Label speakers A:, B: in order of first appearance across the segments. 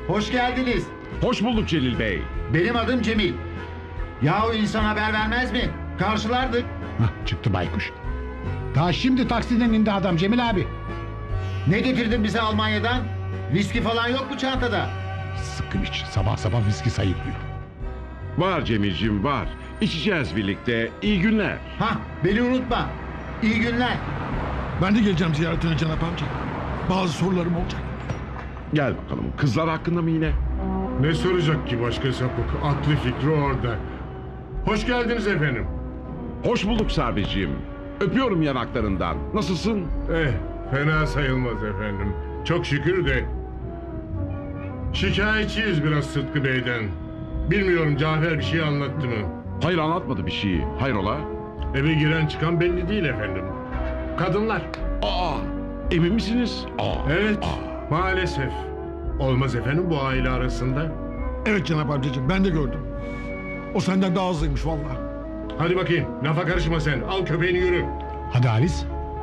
A: Hoş geldiniz.
B: Hoş bulduk Celil Bey.
A: Benim adım Cemil. Yahu insan haber vermez mi? Karşılardık.
C: Hah, çıktı baykuş. Daha şimdi taksiden indi adam Cemil abi.
A: Ne getirdin bize Almanya'dan? Viski falan yok mu çantada?
C: Sıkkın iç. Sabah sabah viski sayıklıyor.
B: Var Cemil'cim var. İçeceğiz birlikte. İyi günler.
A: Hah, beni unutma. İyi günler.
D: Ben de geleceğim ziyaretine Cenap amca. Bazı sorularım olacak.
B: Gel bakalım. Kızlar hakkında mı yine?
E: Ne soracak ki başka sapık? Aklı fikri orada. Hoş geldiniz efendim.
B: Hoş bulduk Sabri'ciğim. Öpüyorum yanaklarından. Nasılsın?
E: Fena sayılmaz efendim. Çok şükür de. Şikayetçiyiz biraz Sıtkı Bey'den. Bilmiyorum Cafer bir şey anlattı mı?
B: Hayır anlatmadı bir şeyi. Hayrola?
E: Eve giren çıkan belli değil efendim. Kadınlar.
B: Aa, emin misiniz?
E: Evet, maalesef. Olmaz efendim bu aile arasında.
D: Evet Cenap amcacığım, ben de gördüm. O senden daha hızlıymış vallahi.
E: Hadi bakayım, lafa karışma sen. Al köpeğini yürü.
C: Hadi Halis.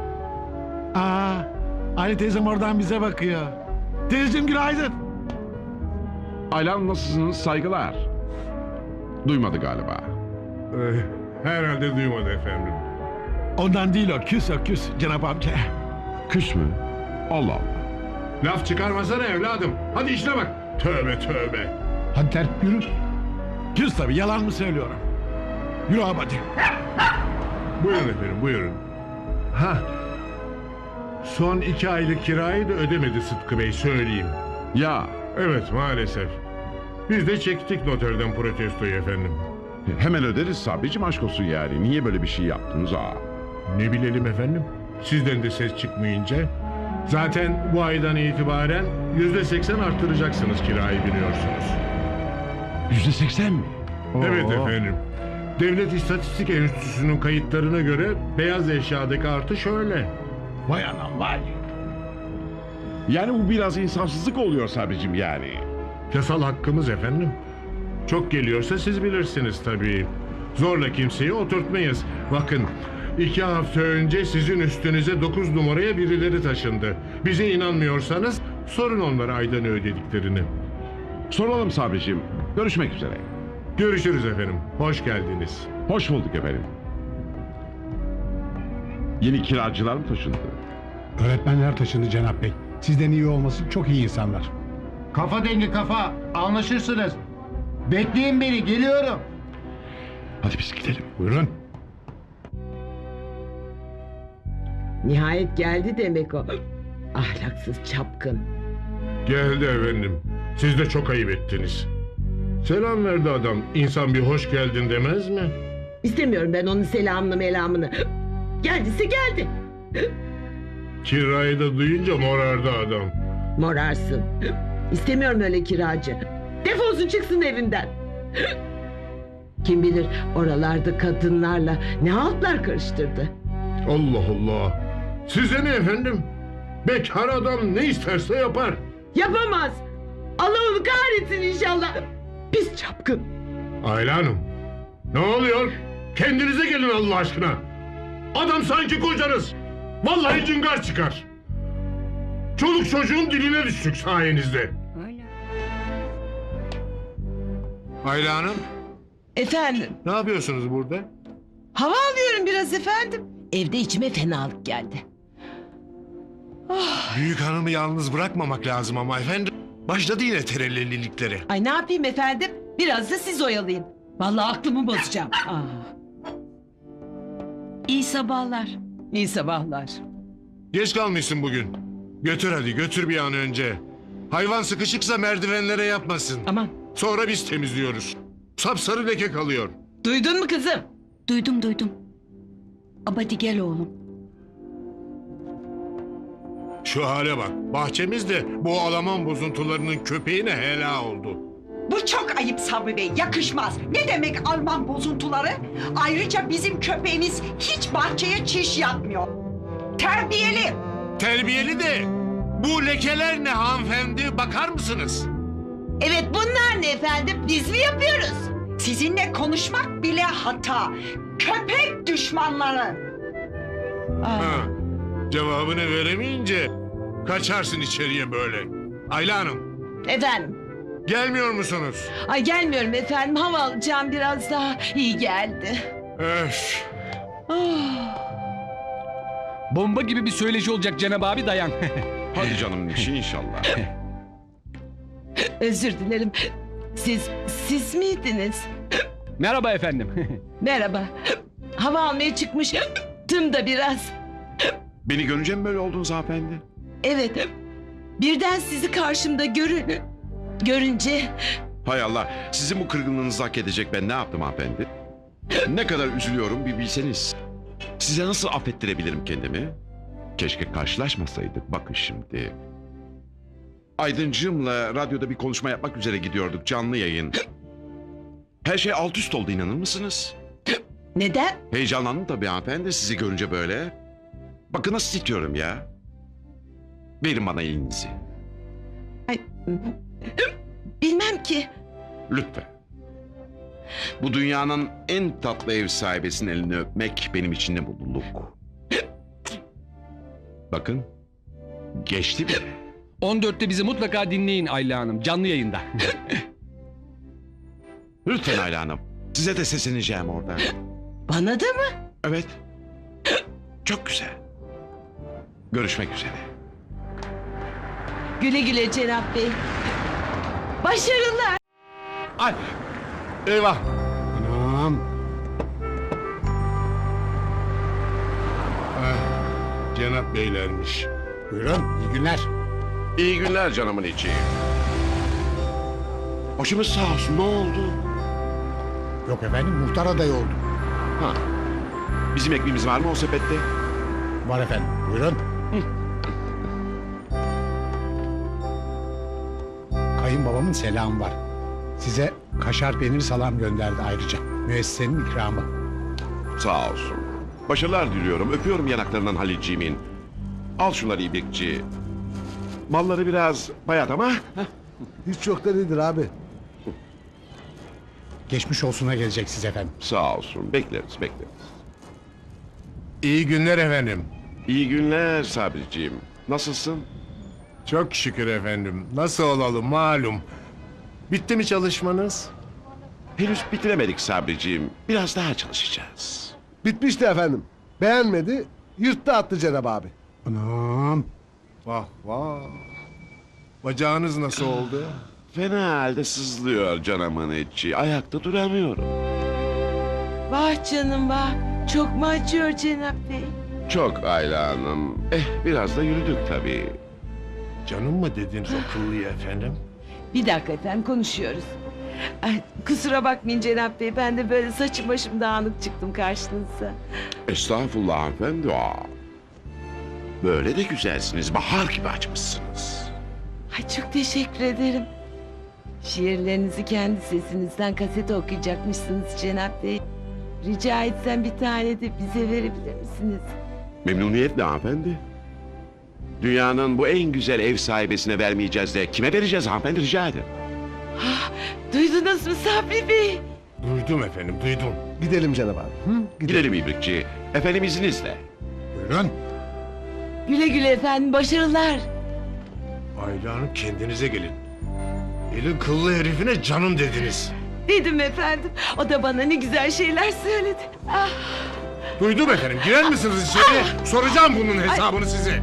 D: Ali teyzem oradan bize bakıyor. Teyzeciğim günaydın.
B: Aylan nasılsınız? Saygılar. Duymadı galiba.
E: Herhalde duymadı efendim.
D: Ondan değil o küs Cenap amca.
B: Küs mü? Allah Allah.
E: Laf çıkarmasana evladım. Hadi işine bak. Tövbe tövbe.
C: Hadi terp yürü.
D: Küs tabii, yalan mı söylüyorum? Yürü abi hadi.
E: Buyurun efendim, buyurun. Son 2 aylık kirayı da ödemedi Sıtkı Bey, söyleyeyim.
B: Ya
E: Evet, maalesef. Biz de çektik noterden protestoyu efendim.
B: hemen öderiz Sabri'cim, aşk olsun yani. Niye böyle bir şey yaptınız?
E: Ne bilelim efendim? Sizden de ses çıkmayınca. Zaten bu aydan itibaren %80 arttıracaksınız kirayı biliyorsunuz.
B: %80 mi?
E: Evet efendim. Devlet İstatistik Enstitüsü'nün kayıtlarına göre beyaz eşyadaki artış öyle.
C: Vay anam vay.
B: Yani bu biraz insafsızlık oluyor Sabri'cim yani.
E: Yasal hakkımız efendim. Çok geliyorsa siz bilirsiniz tabii. Zorla kimseyi oturtmayız. Bakın 2 hafta önce sizin üstünüze 9 numaraya birileri taşındı. Bize inanmıyorsanız sorun onlara ayda ne ödediklerini.
B: Soralım Sabri'cim. Görüşmek üzere.
E: Görüşürüz efendim. Hoş geldiniz.
B: Hoş bulduk efendim. Yeni kiracılar mı taşındı?
C: Öğretmenler taşındı Cenap Bey. Sizden iyi olması çok iyi insanlar.
A: Kafa dengi kafa. Anlaşırsınız. Bekleyin beni, geliyorum.
B: Hadi biz gidelim.
C: Buyurun.
F: Nihayet geldi demek o. Ahlaksız çapkın.
E: Geldi efendim. Siz de çok ayıp ettiniz. Selam verdi adam. İnsan bir hoş geldin demez mi?
F: İstemiyorum ben onun selamını melamını. Geldiyse geldi.
E: Kirayı da duyunca morardı adam.
F: Morarsın. İstemiyorum öyle kiracı. Defolsun çıksın evimden. Kim bilir oralarda kadınlarla ne haltlar karıştırdı.
E: Allah Allah. Size ne efendim? Bekar adam ne isterse yapar.
F: Yapamaz. Allah onu kahretsin inşallah. Pis çapkın.
E: Ayla Hanım. Ne oluyor? Kendinize gelin Allah aşkına. Adam sanki kocanız. Vallahi cıngar çıkar. Çoluk çocuğun diline düştük sayenizde. Ayla Hanım.
G: Efendim,
E: Ne yapıyorsunuz burada?
G: hava alıyorum biraz efendim.
F: Evde içime fenalık geldi.
H: Büyük hanımı yalnız bırakmamak lazım ama efendim. Başladı yine terellililikleri.
G: Ay ne yapayım efendim? Biraz da siz oyalayın. Vallahi aklımı bozacağım. İyi sabahlar. İyi sabahlar.
H: Geç kalmışsın bugün. Götür hadi götür bir an önce. Hayvan sıkışıksa merdivenlere yapmasın.
G: Aman,
H: Sonra biz temizliyoruz. Sapsarı leke kalıyor.
G: duydun mu kızım?
I: Duydum. Abadi gel oğlum.
H: Şu hale bak. Bahçemizde bu Alman bozuntularının köpeğine hela oldu.
J: Bu çok ayıp Sabri Bey, yakışmaz. Ne demek Alman bozuntuları? Ayrıca bizim köpeğimiz hiç bahçeye çiş yapmıyor. Terbiyeli.
H: Terbiyeli de bu lekeler ne hanımefendi bakar mısınız?
F: Evet bunlar ne efendim? Biz mi yapıyoruz?
J: Sizinle konuşmak bile hata. Köpek düşmanları.
H: Ha, cevabını veremeyince kaçarsın içeriye böyle. Ayla Hanım.
F: Efendim?
H: Gelmiyor musunuz?
F: Ay gelmiyorum efendim. Hava alacağım biraz daha. İyi geldi.
H: Öf.
F: Oh.
K: Bomba gibi bir söyleşi olacak Cenab abi dayan.
B: Hadi canım işi inşallah.
F: Özür dilerim. Siz miydiniz?
K: Merhaba efendim.
F: Merhaba. Hava almaya çıkmıştım da biraz.
B: Beni görünce mi böyle oldunuz hanımefendi?
F: Evet. Birden sizi karşımda görünce
B: Hay Allah, sizin bu kırgınlığınızı hak edecek ben ne yaptım hanımefendi? Ne kadar üzülüyorum bir bilseniz. Size nasıl affettirebilirim kendimi? Keşke karşılaşmasaydık, bakın şimdi. Aydıncığımla radyoda bir konuşma yapmak üzere gidiyorduk, canlı yayın. Her şey alt üst oldu, inanır mısınız?
F: neden?
B: Heyecanlandım tabii hanımefendi sizi görünce böyle. Bakın nasıl titriyorum ya. Verin bana elinizi.
F: Ay, bilmem ki.
B: Lütfen. Bu dünyanın en tatlı ev sahibesinin elini öpmek benim için de mutluluk. Bakın. Geçti bile.
K: 14'te bizi mutlaka dinleyin Ayla Hanım canlı yayında.
B: Lütfen Ayla Hanım. Size de sesleneceğim oradan.
F: Bana da mı?
B: Evet. Çok güzel. Görüşmek üzere.
F: Güle güle Cenap Bey. Başarılar.
H: Ay. Eyvah.
C: Anam.
E: Cenap beylermiş.
C: Buyurun iyi günler.
B: İyi günler canımın içi. Başımız sağ olsun ne oldu?
C: Yok efendim muhtar adayı oldum.
B: Ha. Bizim ekmeğimiz var mı o sepette?
C: Var efendim buyurun. Kayınbabamın selamı var. Size kaşar peynir salam gönderdi ayrıca. Müessesenin ikramı.
B: Sağ olsun. Başarılar diliyorum. Öpüyorum yanaklarından Halilciğimin. Al şunları İbrikçi. Malları biraz bayat ama.
D: Hiç yok da nedir abi?
C: Geçmiş olsuna geleceksiniz efendim.
B: Sağ olsun. Bekleriz.
E: İyi günler efendim.
B: İyi günler Sabriciğim. Nasılsın?
E: Çok şükür efendim. Nasıl olalım malum. Bitti mi çalışmanız?
B: Henüz bitiremedik Sabriciğim. Biraz daha çalışacağız.
D: Bitmişti efendim. Beğenmedi, yırttı attı Cenab abi.
C: Anam.
E: Vah vah. Bacağınız nasıl oldu?
B: Fena halde sızlıyor canımın içi. Ayakta duramıyorum.
F: Vah canım vah. Çok mu acıyor Cenap Bey?
B: Çok Ayla Hanım. Biraz da yürüdük tabii.
E: Canım mı dediniz akıllıya efendim?
F: Bir dakika efendim konuşuyoruz. Ay, kusura bakmayın Cenap Bey. Ben de böyle saçım başım dağınık çıktım karşınıza.
B: Estağfurullah hanımefendi. Böyle de güzelsiniz. Bahar gibi açmışsınız.
F: Ay çok teşekkür ederim. Şiirlerinizi kendi sesinizden kasete okuyacakmışsınız Cenap Bey. Rica etsem bir tane de bize verebilir misiniz?
B: Memnuniyetle hanımefendi. Dünyanın bu en güzel ev sahibesine vermeyeceğiz de kime vereceğiz hanımefendi rica ederim.
F: Duydunuz mu Sabri Bey?
E: Duydum efendim duydum.
D: Gidelim Cenab abi. Hı?
B: Gidelim İbrikçi. Efendim izninizle.
C: Buyurun.
F: Güle güle efendim başarılar.
E: Ayla Hanım kendinize gelin. Elin kıllı herifine canım dediniz.
F: Dedim efendim. O da bana ne güzel şeyler söyledi. Ah,
E: Duydum efendim. Girer misiniz içeri? Soracağım bunun hesabını size.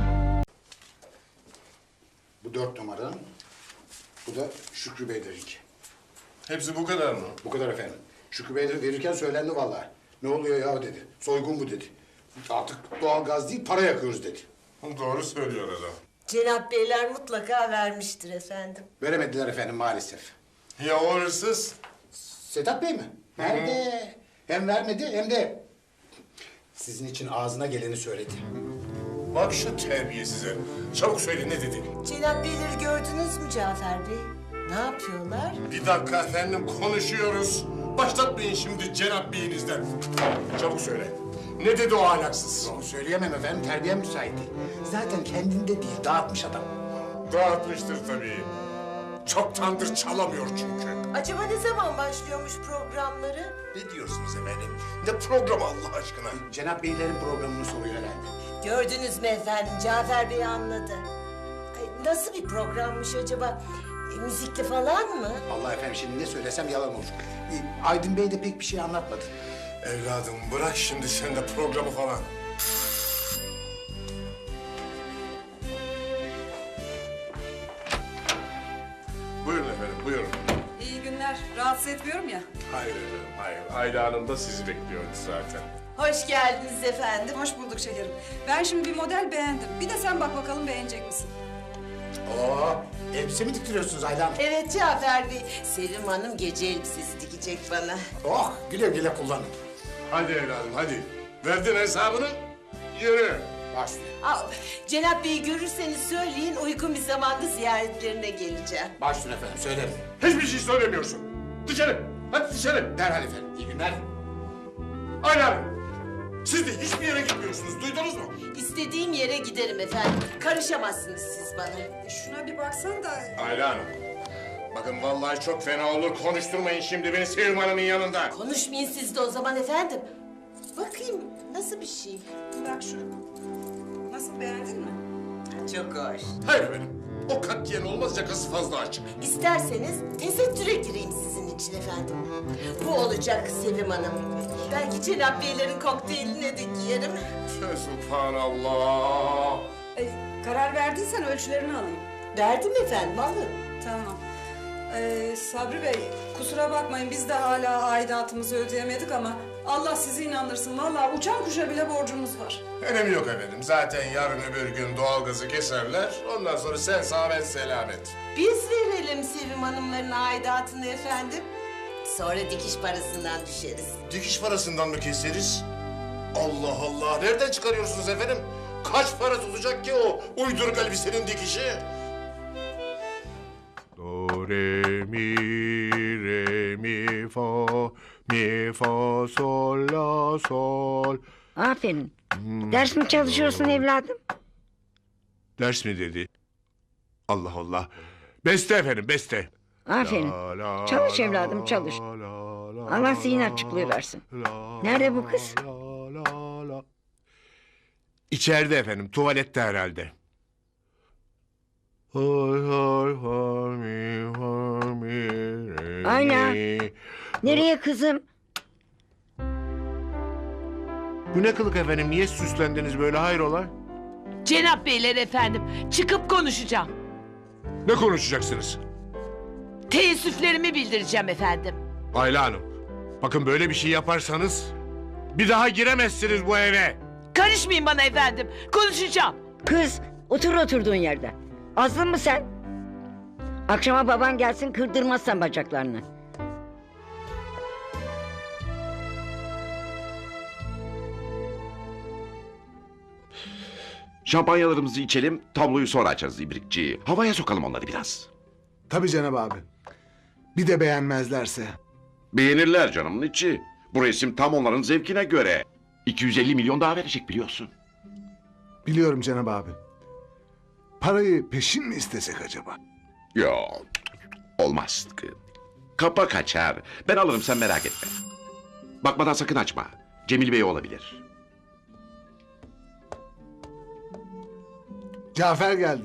C: Bu 4 numara. Bu da Şükrü Beylerinki.
E: Hepsi bu kadar mı?
C: Bu kadar efendim. Şükrü Bey verirken söylendi vallahi. Ne oluyor ya dedi. Soygun bu dedi. Artık doğalgaz değil para yakıyoruz dedi.
E: Doğru söylüyor adam.
L: Cenap Beyler mutlaka vermiştir efendim.
C: Veremediler efendim maalesef.
E: Ya o hırsız?
C: Sedat Bey mi? Nerede? Hem vermedi hem de sizin için ağzına geleni söyledi.
E: Bak şu terbiyesize. Çabuk söyle ne dedi?
L: Cenap Beyleri gördünüz mü Cafer Bey? Ne yapıyorlar?
E: Bir dakika efendim konuşuyoruz. Başlatmayın şimdi Cenap Bey'inizden. Çabuk söyle. Ne dedi o ahlaksız?
C: Onu söyleyemem efendim terbiyem müsait değil. Zaten kendinde değil dağıtmış adam.
E: Dağıtmıştır tabii. Çoktandır çalamıyor çünkü.
L: Acaba ne zaman başlıyormuş programları?
E: Ne diyorsunuz efendim? Ne programı Allah aşkına?
C: Cenap Beylerin programını soruyor herhalde.
L: Gördünüz mü efendim? Cafer Bey anladı. Ay, nasıl bir programmış acaba? Müzikli falan mı?
C: Allah efendim şimdi ne söylesem yalan olur. Aydın Bey de pek bir şey anlatmadı.
H: Evladım bırak şimdi sen de programı falan. Buyurun efendim, buyurun.
G: İyi günler. Rahatsız etmiyorum ya.
H: Hayır efendim, hayır. Ayla Hanım da sizi bekliyordu zaten.
L: Hoş geldiniz efendim.
G: Hoş bulduk şekerim. Ben şimdi bir model beğendim. Bir de sen bak bakalım beğenecek misin?
C: Oo, elbise mi diktiriyorsunuz Ayla Hanım?
L: Evet Cafer Bey. Sevim Hanım gece elbisesi dikecek bana.
C: Oh, güle güle kullanın.
H: Hadi evladım, hadi. Verdin hesabını, yürü.
C: Başüstüne.
L: Cenap Bey'i görürseniz söyleyin, uygun bir zamanda ziyaretlerine geleceğim.
C: Başüstüne efendim, söylerim.
H: Hiçbir şey söylemiyorsun. Dışarı, hadi dışarı.
C: Derhal efendim, iyi günler.
H: Ayla Hanım, siz de hiçbir yere gitmiyorsunuz, duydunuz mu?
L: İstediğim yere giderim efendim. Karışamazsınız siz bana.
G: Şuna bir baksan da...
H: Ayla Hanım, bakın vallahi çok fena olur. Konuşturmayın şimdi beni Sevim Hanım'ın yanında.
L: Konuşmayın siz de o zaman efendim. Bakayım nasıl bir şey?
G: Bak şu. Nasıl, beğendin mi?
L: Çok hoş.
H: Hayır efendim, o katiyen olmaz, yakası fazla açık.
L: İsterseniz tesettüre gireyim sizin için efendim. Bu olacak Sevim Hanım. Belki Cenap Beylerin kokteyline de giyerim.
H: Subhanallah.
G: Karar verdiysen ölçülerini alayım.
L: Verdim efendim, alın.
G: Tamam. Sabri Bey, kusura bakmayın biz de hala aidatımızı ödeyemedik ama Allah sizi inandırsın. Vallahi uçan kuşa bile borcumuz var.
H: Önemi yok efendim. Zaten yarın öbür gün doğalgazı keserler. Ondan sonra sen sağ ben selamet.
L: Biz verelim Sevim Hanımların aidatını efendim. Sonra dikiş parasından düşeriz.
H: Dikiş parasından mı keseriz? Allah Allah. Nereden çıkarıyorsunuz efendim? Kaç para tutacak ki o uyduruk elbisenin dikişi? Do, re, mi, re, mi, fa, sol, la, sol.
I: Aferin. Ders mi çalışıyorsun evladım?
H: Ders mi dedi? Allah Allah. Beste efendim, beste.
I: Aferin. Çalış evladım, çalış. Allah zihin açıklığı versin. Nerede bu kız?
H: İçeride efendim, tuvalette herhalde.
I: Ayla. Nereye kızım?
H: Bu ne kılık efendim? Niye süslendiniz böyle, hayrola?
F: Cenap Beyler efendim, çıkıp konuşacağım.
H: Ne konuşacaksınız?
F: Teessüflerimi bildireceğim efendim.
H: Ayla Hanım, bakın böyle bir şey yaparsanız bir daha giremezsiniz bu eve.
F: Karışmayın bana efendim, konuşacağım.
I: Kız, otur oturduğun yerde. Azlı mı sen? Akşama baban gelsin, kırdırmazsan bacaklarını.
B: Şampanyalarımızı içelim, tabloyu sonra açarız İbrikçi. Havaya sokalım onları biraz.
C: Tabii Cenab abi. Bir de beğenmezlerse.
B: Beğenirler canımın içi. Bu resim tam onların zevkine göre. 250 milyon daha verecek biliyorsun.
C: Biliyorum Cenab abi. Parayı peşin mi istesek acaba?
B: Yok, olmaz. Kapa kaçar. Ben alırım, sen merak etme. Bakmadan sakın açma. Cemil Bey olabilir.
C: Cafer geldi.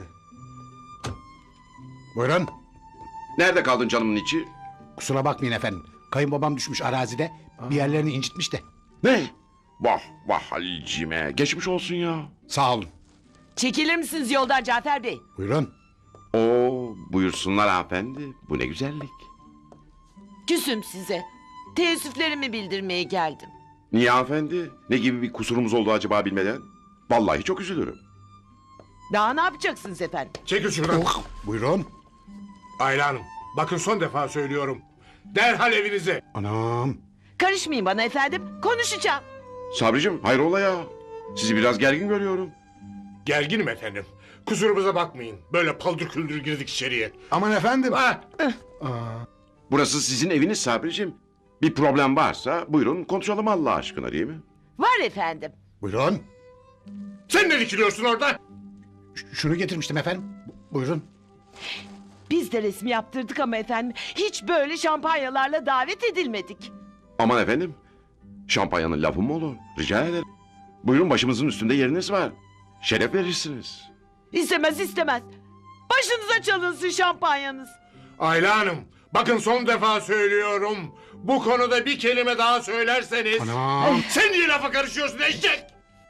C: Buyurun.
B: Nerede kaldın canımın içi?
C: Kusura bakmayın efendim. Kayınbabam düşmüş arazide. Bir yerlerini incitmiş de.
B: Ne? Vah vah Halil'cime. Geçmiş olsun ya.
C: Sağ olun.
F: Çekilir misiniz yoldan Cafer Bey?
C: Buyurun.
B: Oo, buyursunlar hanımefendi. Bu ne güzellik.
F: Küsüm size. Teessüflerimi bildirmeye geldim.
B: Niye hanımefendi? Ne gibi bir kusurumuz oldu acaba bilmeden? Vallahi çok üzülürüm.
F: Daha ne yapacaksınız efendim?
H: Çekil şuradan.
C: Buyurun.
H: Ayla Hanım, bakın son defa söylüyorum. Derhal evinize.
C: Anam.
F: Karışmayın bana efendim, konuşacağım.
B: Sabricim hayrola ya? Sizi biraz gergin görüyorum.
H: Gerginim efendim. Kusurumuza bakmayın. Böyle paldır küldür girdik içeriye.
C: Aman efendim.
H: Ha,
B: Burası sizin eviniz Sabricim. Bir problem varsa buyurun konuşalım Allah aşkına değil mi?
F: Var efendim.
C: Buyurun.
H: sen ne dikiliyorsun orada?
C: Şunu getirmiştim efendim. Buyurun.
F: Biz de resmi yaptırdık ama efendim hiç böyle şampanyalarla davet edilmedik.
B: Aman efendim. Şampanyanın lafı mı olur? Rica ederim. Buyurun başımızın üstünde yeriniz var. Şeref verirsiniz.
F: İstemez istemez. Başınıza çalınsın şampanyanız.
E: Ayla Hanım, bakın son defa söylüyorum. Bu konuda bir kelime daha söylerseniz...
C: Anam.
E: Sen niye lafa karışıyorsun eşek?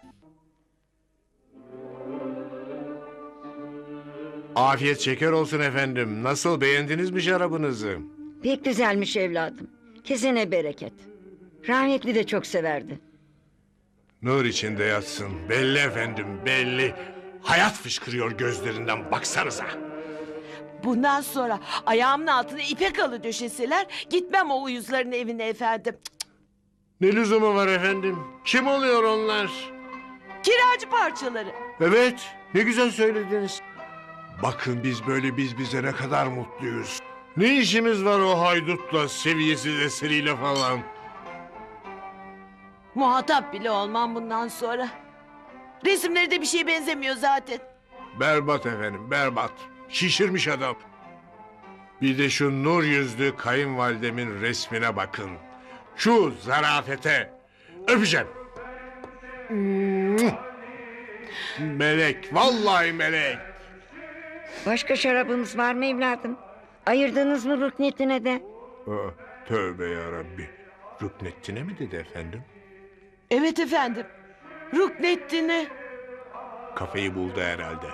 E: Afiyet şeker olsun efendim. Nasıl, beğendiniz mi şarabınızı?
I: Pek güzelmiş evladım. Kesene bereket. Rahmetli de çok severdi.
E: Nur içinde yatsın. Belli efendim, belli. Hayat fışkırıyor gözlerinden, baksanıza.
F: Bundan sonra ayağımın altına ipek halı döşeseler gitmem o uyuzların evine efendim.
E: Ne lüzumu var efendim? Kim oluyor onlar?
F: Kiracı parçaları.
E: Evet, ne güzel söylediniz. Bakın biz böyle bize ne kadar mutluyuz. Ne işimiz var o haydutla, seviyesiz eseriyle falan?
F: Muhatap bile olmam bundan sonra. Resimleri de bir şeye benzemiyor zaten.
E: Berbat efendim, berbat. Şişirmiş adam. Bir de şu nur yüzlü kayınvalidemin resmine bakın. Şu zarafete. Öpeceğim. Melek, vallahi melek.
I: Başka şarabımız var mı evladım? Ayırdınız mı rüknetine de?
E: Tövbe yarabbi. Rüknettine mi dedi efendim?
F: Evet efendim. Rukneddin'i.
E: Kafayı buldu herhalde.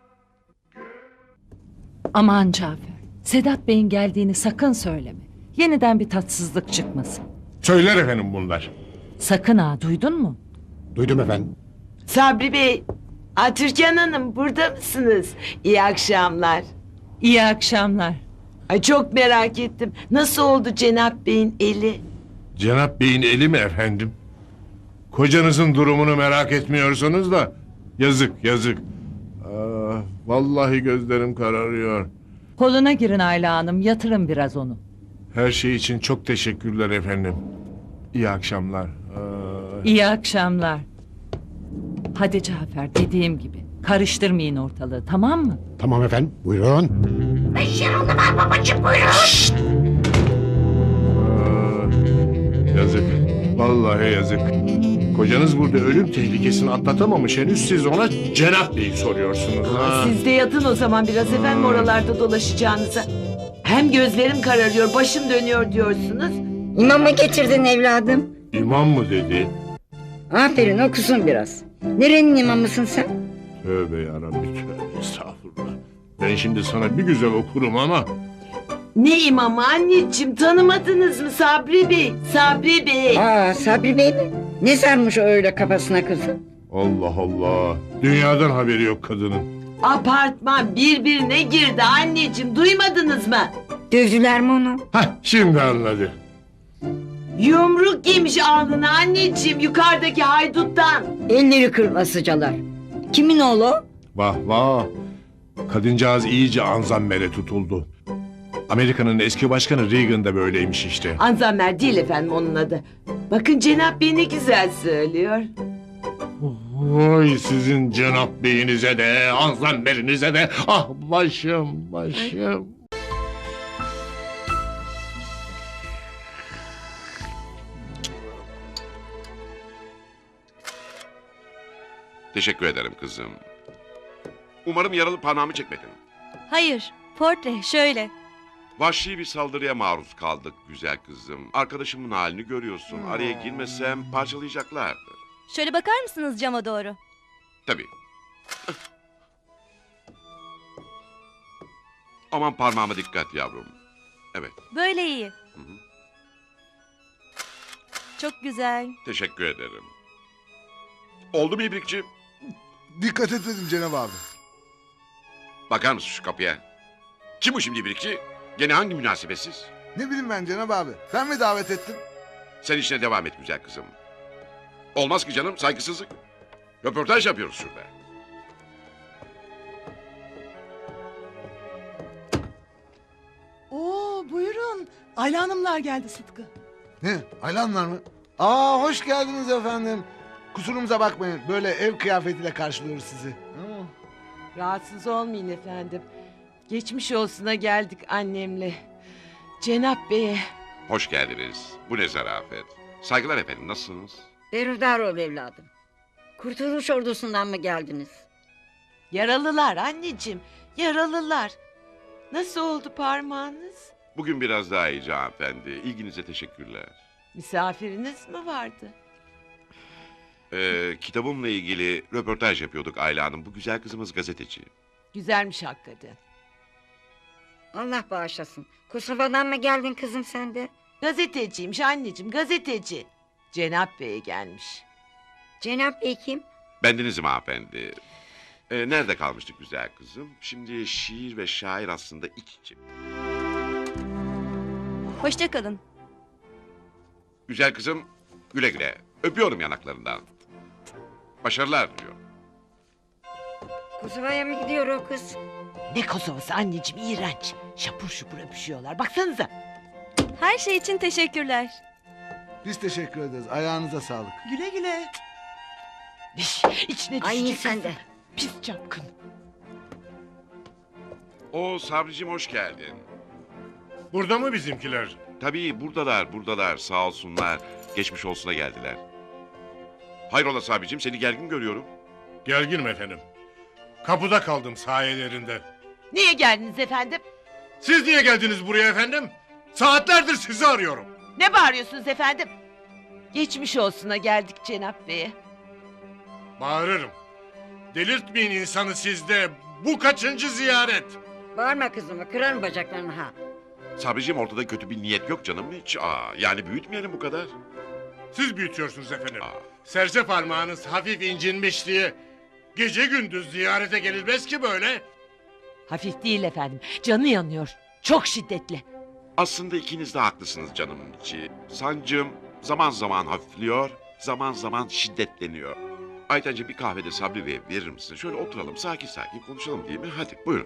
M: Aman Cafer, Sedat Bey'in geldiğini sakın söyleme. Yeniden bir tatsızlık çıkmasın.
E: Söyler efendim bunlar.
M: Sakın ha, duydun mu?
C: Duydum efendim.
F: Sabri Bey. Türkan Hanım burada mısınız? İyi akşamlar.
M: İyi akşamlar.
F: Ay çok merak ettim. Nasıl oldu Cenap Bey'in eli?
E: Cenap Bey'in eli mi efendim? Kocanızın durumunu merak etmiyorsunuz da yazık yazık. Vallahi gözlerim kararıyor.
M: Koluna girin Ayla Hanım, yatırın biraz onu.
E: Her şey için çok teşekkürler efendim. İyi akşamlar.
M: İyi akşamlar. Hadi Cafer, dediğim gibi. Karıştırmayın ortalığı, tamam mı?
C: Tamam efendim. Buyurun.
E: Yazık. Vallahi yazık. Kocanız burada ölüm tehlikesini atlatamamış henüz, siz ona Cenap Bey'i soruyorsunuz.
F: Siz de yatın o zaman biraz efendim oralarda dolaşacağınıza. Hem gözlerim kararıyor, başım dönüyor diyorsunuz.
I: İmam mı getirdin evladım?
E: İmam mı dedi?
I: Aferin, okusun biraz. Nerenin imamısın sen?
E: Tövbe yarabbi, tövbe estağfurullah. Ben şimdi sana bir güzel okurum ama...
F: Ne imamı anneciğim, tanımadınız mı Sabri Bey? Sabri Bey.
I: Sabri Bey mi? Ne sarmış o öyle kafasına kızım?
E: Allah Allah. Dünyadan haberi yok kadının.
F: Apartman birbirine girdi anneciğim, duymadınız mı?
I: Dövdüler mi onu?
E: Şimdi anladı.
F: Yumruk yemiş alnına anneciğim yukarıdaki hayduttan.
I: Elleri kırmasıcalar. Kimin oğlu o?
E: Vah vah. Kadıncağız iyice anzammere tutuldu. Amerika'nın eski başkanı Reagan da böyleymiş işte.
F: Anzammer değil efendim onun adı. Bakın Cenap Bey ne güzel söylüyor.
E: Vay sizin Cenap Bey'inize de, anzammerinize de. Ah başım, başım.
B: Teşekkür ederim kızım. Umarım yaralı parmağımı çekmedin.
N: Hayır, portre şöyle.
B: Vahşi bir saldırıya maruz kaldık güzel kızım. Arkadaşımın halini görüyorsun. Araya girmesem parçalayacaklardı.
N: Şöyle bakar mısınız cama doğru?
B: Tabii. Aman parmağıma dikkat yavrum. Evet.
N: Böyle iyi. Çok güzel.
B: Teşekkür ederim. Oldu mu İbrikçi?
C: Dikkat et dedim Cenab abi.
B: Bakar mısın şu kapıya? Kim bu şimdi İbrikçi? Gene hangi münasebetsiz?
C: Ne bileyim ben Cenab abi. Sen mi davet ettin?
B: Sen işine devam et güzel kızım. Olmaz ki canım, saygısızlık. Röportaj yapıyoruz şurada.
L: Oo buyurun. Ayla Hanımlar geldi Sıtkı.
C: Ne? Aylanlar mı? Hoş geldiniz efendim. Kusurumuza bakmayın. Böyle ev kıyafetiyle karşılıyoruz sizi.
F: Rahatsız olmayın efendim. Geçmiş olsuna geldik annemle. Cenap Bey'e.
B: Hoş geldiniz. Bu ne zarafet. Saygılar efendim, nasılsınız?
I: Berhudar ol evladım. Kurtuluş ordusundan mı geldiniz?
F: Yaralılar anneciğim, yaralılar. Nasıl oldu parmağınız?
B: Bugün biraz daha iyi hanımefendi. İlginize teşekkürler.
F: Misafiriniz mi vardı?
B: Kitabımla ilgili röportaj yapıyorduk Ayla Hanım. Bu güzel kızımız gazeteci.
F: Güzelmiş hakikaten.
I: Allah bağışlasın. Kosova'dan mı geldin kızım sen de?
F: Gazeteciymiş anneciğim, gazeteci. Cenap Bey gelmiş.
I: Cenap Bey kim?
B: Bendenizim hanımefendi. Nerede kalmıştık güzel kızım? Şimdi şiir ve şair aslında iç içe.
N: Hoşça kalın.
B: Güzel kızım güle güle. Öpüyorum yanaklarından. Başarılar diyor.
I: Kosova'ya mı gidiyor o kız?
F: Ne Kosova'sı anneciğim, iğrenç. Şapur şupur öpüşüyorlar, baksanıza.
N: Her şey için teşekkürler.
O: Biz teşekkür ederiz. Ayağınıza sağlık.
F: Güle güle. İçine
I: Ay
F: düşecek
I: sen de.
F: pis çapkın.
B: O Sabricim hoş geldin.
E: Burada mı bizimkiler?
B: Tabii buradalar sağ olsunlar. Geçmiş olsuna geldiler. Hayrola Sabricim seni gergin görüyorum.
E: Gerginim efendim. Kapıda kaldım sayelerinde.
F: Niye geldiniz efendim?
E: Siz niye geldiniz buraya efendim? Saatlerdir sizi arıyorum.
F: Ne bağırıyorsunuz efendim? Geçmiş olsuna geldik Cenap Bey'e.
E: Bağırırım. Delirtmeyin insanı sizde. Bu kaçıncı ziyaret?
I: Bağırma kızımı, kırarım bacaklarını ha.
B: Sabricim ortada kötü bir niyet yok canım hiç. Yani büyütmeyelim bu kadar.
E: Siz büyütüyorsunuz efendim. Serçe parmağınız hafif incinmiş diye gece gündüz ziyarete gelilmez ki böyle.
F: Hafif değil efendim, canı yanıyor. Çok şiddetli.
B: Aslında ikiniz de haklısınız canımın içi. Sancım zaman zaman hafifliyor, zaman zaman şiddetleniyor. Aytencim bir kahvede Sabri Bey'e verir misin? Şöyle oturalım sakin sakin konuşalım değil mi? Hadi buyurun.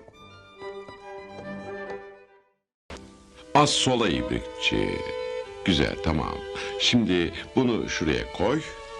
B: Az sola ibrikçi. Güzel tamam. Şimdi bunu şuraya koy.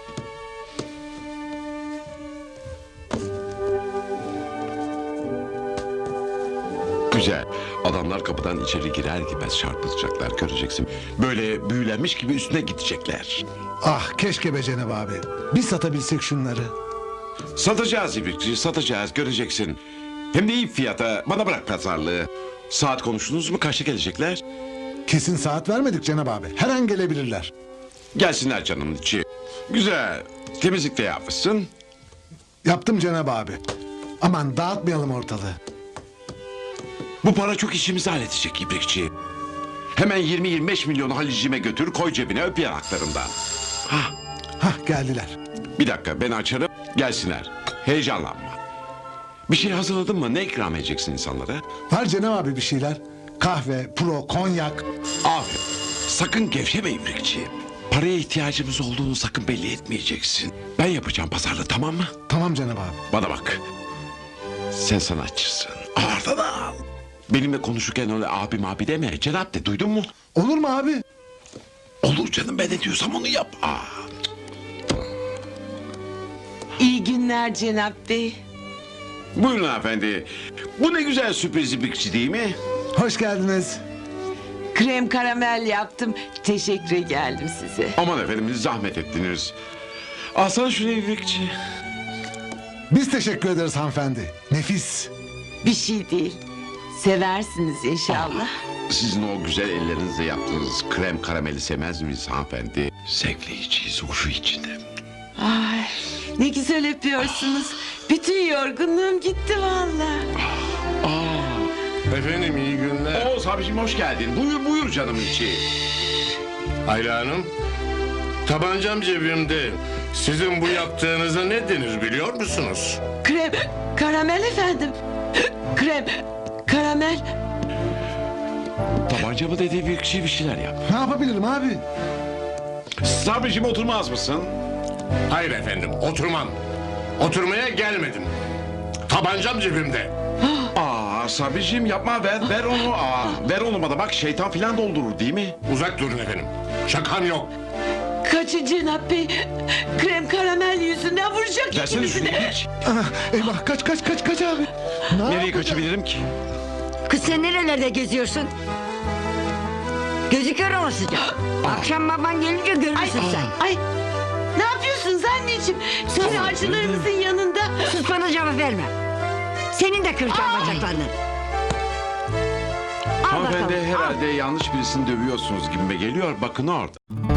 B: Güzel. Adamlar kapıdan içeri girer girmez çarpılacaklar göreceksin. Böyle büyülenmiş gibi üstüne gidecekler.
O: Ah keşke be Cenab abi. Biz satabilsek şunları.
B: Satacağız ibrikçi satacağız göreceksin. Hem de iyi fiyata. Bana bırak pazarlığı. Saat konuştunuz mu kaçta gelecekler?
O: Kesin saat vermedik Cenab abi. Her an gelebilirler.
B: Gelsinler canımın içi. Güzel. Temizlik de yapmışsın.
O: Yaptım Cenab abi. Aman dağıtmayalım ortalığı.
B: Bu para çok işimizi halledecek ibrikçi. Hemen 20-25 milyonu Halicime götür koy cebine öp yanaklarından.
O: Hah geldiler.
B: Bir dakika ben açarım gelsinler. Heyecanlanma. Bir şey hazırladın mı? Ne ikram edeceksin insanlara?
O: Var Cenab abi bir şeyler. Kahve, pro, konyak.
B: Aferin. Sakın gevşeme ibrikçi. Paraya ihtiyacımız olduğunu sakın belli etmeyeceksin. Ben yapacağım pazarlığı tamam mı?
O: Tamam Cenab abi.
B: Bana bak. Sen sanatçısın. Ağırdan al. Benimle konuşurken öyle abi deme. Cenap de duydun mu?
O: Olur mu abi?
B: Olur canım ben ne diyorsam onu yap.
F: İyi günler Cenap Bey.
B: Buyurun hanımefendi. Bu ne güzel sürpriz ibrikçi değil mi?
O: Hoş geldiniz.
F: Krem karamel yaptım. Teşekkür geldim size.
B: Aman efendim zahmet ettiniz. Alsana şunu ibrikçi.
O: Biz teşekkür ederiz hanımefendi. Nefis.
F: Bir şey değil. Seversiniz inşallah.
B: Sizin o güzel ellerinizle yaptığınız krem karameli sevmez miyiz hanımefendi? Zevkleyiciyiz huşu içinde.
F: Ay, ne güzel öpüyorsunuz. Bütün yorgunluğum gitti vallahi.
E: Efendim iyi günler.
B: Oo Sabriciğim hoş geldin. Buyur canım içi.
E: Ayla Hanım, tabancam cebimde. Sizin bu yaptığınıza ne denir biliyor musunuz?
F: Krem karamel efendim. Krem karamel.
B: Tabanca mı dedi bir kişi bir şeyler yap.
O: Ne yapabilirim abi?
B: Sabriciğim oturmaz mısın?
E: Hayır efendim, oturmam. Oturmaya gelmedim. Tabancam cebimde.
B: Sabriciğim yapma ver onu. Ver onu bana bak şeytan filan doldurur değil mi?
E: Uzak durun efendim. Şakam yok.
F: Kaçın Cenap Bey. Krem karamel yüzünden vuracak
B: Versene şunu
F: ikimizi de.
B: hiç.
O: Eyvah kaç abi.
B: Nereye kaçabilirim ki?
I: Kız sen nerelerde geziyorsun? Gözü kör olasıca. Akşam baban gelince görürsün sen.
F: Ay ne yapıyorsunuz anneciğim? Söyle acılarımızın yanında.
I: Sus bana cevap verme. Senin de kıracağım bacaklarını.
B: Hanımefendi herhalde yanlış birisini dövüyorsunuz gibime geliyor. Bakın orada.